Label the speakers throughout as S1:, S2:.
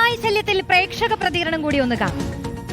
S1: തെരുവുനായ ശല്യത്തിൽ പ്രേക്ഷക പ്രതികരണം കൂടി ഒന്ന് കാണാം.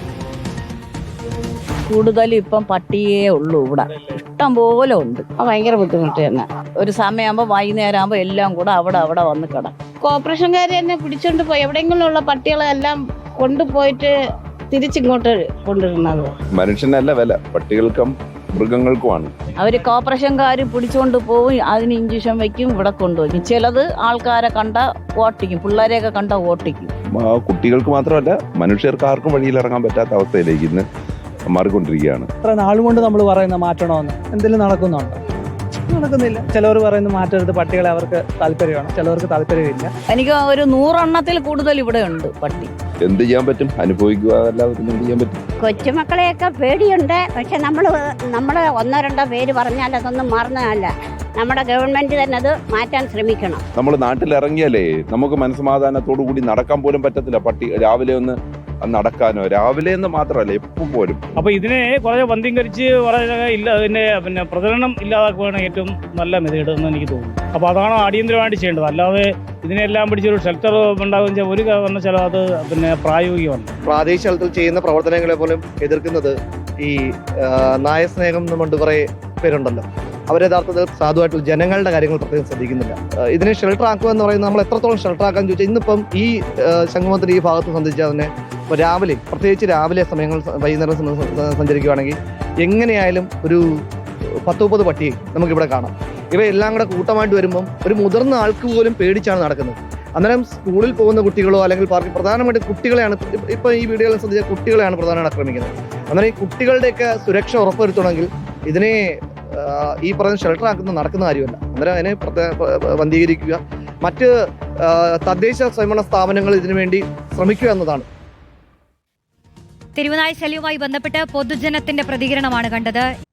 S2: കൂടുതലും ഇപ്പം പട്ടിയേ ഉള്ളൂ ഇവിടെ, ഇഷ്ടം പോലെ ഉണ്ട്. ഭയങ്കര ബുദ്ധിമുട്ട് തന്നെ. ഒരു സമയമാകുമ്പോൾ വൈകുന്നേരം ആകുമ്പോൾ എല്ലാം കൂടെ അവിടെ വന്ന് കിടക്കും.
S3: കോർപ്പറേഷൻകാർ തന്നെ പിടിച്ചോണ്ട് പോയി എവിടെയെങ്കിലും ഉള്ള പട്ടികളെല്ലാം കൊണ്ടുപോയിട്ട് തിരിച്ചിങ്ങോട്ട് കൊണ്ടുവരുന്നത്.
S4: മനുഷ്യനല്ല വില, പട്ടികൾക്കും മൃഗങ്ങൾക്കുമാണ്.
S2: അവര് കോർപ്പറേഷൻകാർ പിടിച്ചുകൊണ്ട് പോവും, അതിന് ഇഞ്ചക്ഷൻ വെക്കും, ഇവിടെ കൊണ്ടുവയ്ക്കും. ചിലത് ആൾക്കാരെ കണ്ട ഓട്ടിക്കും, പിള്ളേരെയൊക്കെ കണ്ട ഓട്ടിക്കും.
S4: കുട്ടികൾക്ക് മാത്രമല്ല മനുഷ്യർക്ക് ആർക്കും വഴിയിലിറങ്ങാൻ പറ്റാത്ത അവസ്ഥയിലേക്ക് ഇന്ന് മാറിക്കൊണ്ടിരിക്കുകയാണ്.
S5: ഇത്ര നാളുകൊണ്ട് നമ്മൾ പറയുന്ന മാറ്റണമെന്ന് എന്തെങ്കിലും നടക്കുന്നുണ്ടോ? നടക്കുന്നില്ല. ചിലവർ പറയുന്നത് മാറ്റരുത്, പട്ടികളെ അവർക്ക് താല്പര്യമാണ്, ചിലവർക്ക് താല്പര്യമില്ല.
S2: എനിക്ക് ഒരു 100 എണ്ണത്തിൽ കൂടുതൽ ഇവിടെ ഉണ്ട് പട്ടി.
S4: എന്ത് ചെയ്യാൻ പറ്റും? അനുഭവിക്കുക അല്ലാതെ എന്ത് ചെയ്യാൻ പറ്റും?
S3: കൊച്ചുമക്കളെയൊക്കെ പേടിയുണ്ട്. പക്ഷെ നമ്മള് ഒന്നോ രണ്ടോ പേര് പറഞ്ഞാൽ അതൊന്നും മാറുന്നതല്ല. നമ്മുടെ ഗവൺമെന്റ് തന്നെ അത് മാറ്റാൻ ശ്രമിക്കണം.
S4: നമ്മൾ നാട്ടിൽ ഇറങ്ങിയാലേ നമുക്ക് മനസ്സമാധാനത്തോടു കൂടി നടക്കാൻ പോലും പറ്റത്തില്ല. പട്ടി രാവിലെ ഒന്ന് നടക്കാനോ, രാവിലെ എന്ന് മാത്രമല്ല എപ്പോൾ പോലും.
S6: അപ്പൊ ഇതിനെ കുറെ വന്ധ്യംകരിച്ച് വളരെ പിന്നെ പ്രചരണം ഇല്ലാതാക്കുകയാണ് ഏറ്റവും നല്ല മെത്തേഡ് എന്ന് എനിക്ക് തോന്നുന്നു. അപ്പൊ അതാണ് അടിയന്തരമായിട്ട് ചെയ്യേണ്ടത്. അല്ലാതെ ഇതിനെല്ലാം പിടിച്ചൊരു ഷെൽട്ടർ ഉണ്ടാകുന്ന ഒരു കാരണവശാലും അത് പിന്നെ പ്രായോഗികമല്ല.
S7: പ്രാദേശിക തലത്തിൽ ചെയ്യുന്ന പ്രവർത്തനങ്ങളെ പോലും എതിർക്കുന്നത് ഈ നായസ്നേഹം എന്നുകൊണ്ട് കുറെ പേരുണ്ടല്ലോ. അവർ യഥാർത്ഥത്തിൽ സാധുവായിട്ട് ജനങ്ങളുടെ കാര്യങ്ങൾ പ്രത്യേകം ശ്രദ്ധിക്കുന്നില്ല. ഇതിനെ ഷെൽട്ടർ ആക്കുക എന്ന് പറയുന്നത് നമ്മൾ എത്രത്തോളം ഷെൽട്ടർ ആക്കാൻ ചോദിച്ചാൽ ഇന്നിപ്പം ഈ സംഗമത്തിന് ഈ ഭാഗത്ത് സഞ്ചരിച്ചാൽ തന്നെ ഇപ്പോൾ രാവിലെ, പ്രത്യേകിച്ച് രാവിലെ സമയങ്ങൾ വൈകുന്നേരം സഞ്ചരിക്കുകയാണെങ്കിൽ എങ്ങനെയായാലും ഒരു 10-30 പട്ടിയെ നമുക്കിവിടെ കാണാം. ഇവയെല്ലാം കൂടെ കൂട്ടമായിട്ട് വരുമ്പം ഒരു മുതിർന്ന ആൾക്ക് പോലും പേടിച്ചാണ് നടക്കുന്നത്. അന്നേരം സ്കൂളിൽ പോകുന്ന കുട്ടികളോ അല്ലെങ്കിൽ പാർക്കിൽ പ്രധാനമായിട്ട് കുട്ടികളെയാണ് ഇപ്പം ഈ വീഡിയോയിൽ ശ്രദ്ധിച്ച കുട്ടികളെയാണ് പ്രധാനമായിട്ട് ആക്രമിക്കുന്നത്. അന്നേരം ഈ കുട്ടികളുടെയൊക്കെ സുരക്ഷ ഉറപ്പുവരുത്തണമെങ്കിൽ ഇതിനെ ഈ പറഞ്ഞ ഷെൽട്ടർ ആക്കുന്ന നടക്കുന്ന കാര്യമല്ല. അന്നേരം അതിനെ വന്ധീകരിക്കുക, മറ്റ് തദ്ദേശ സ്വയംഭരണ സ്ഥാപനങ്ങൾ ഇതിനുവേണ്ടി ശ്രമിക്കുക എന്നതാണ്.
S1: തെരുവുനായ ശല്യവുമായി ബന്ധപ്പെട്ട് പൊതുജനത്തിന്റെ പ്രതികരണമാണ് കണ്ടത്.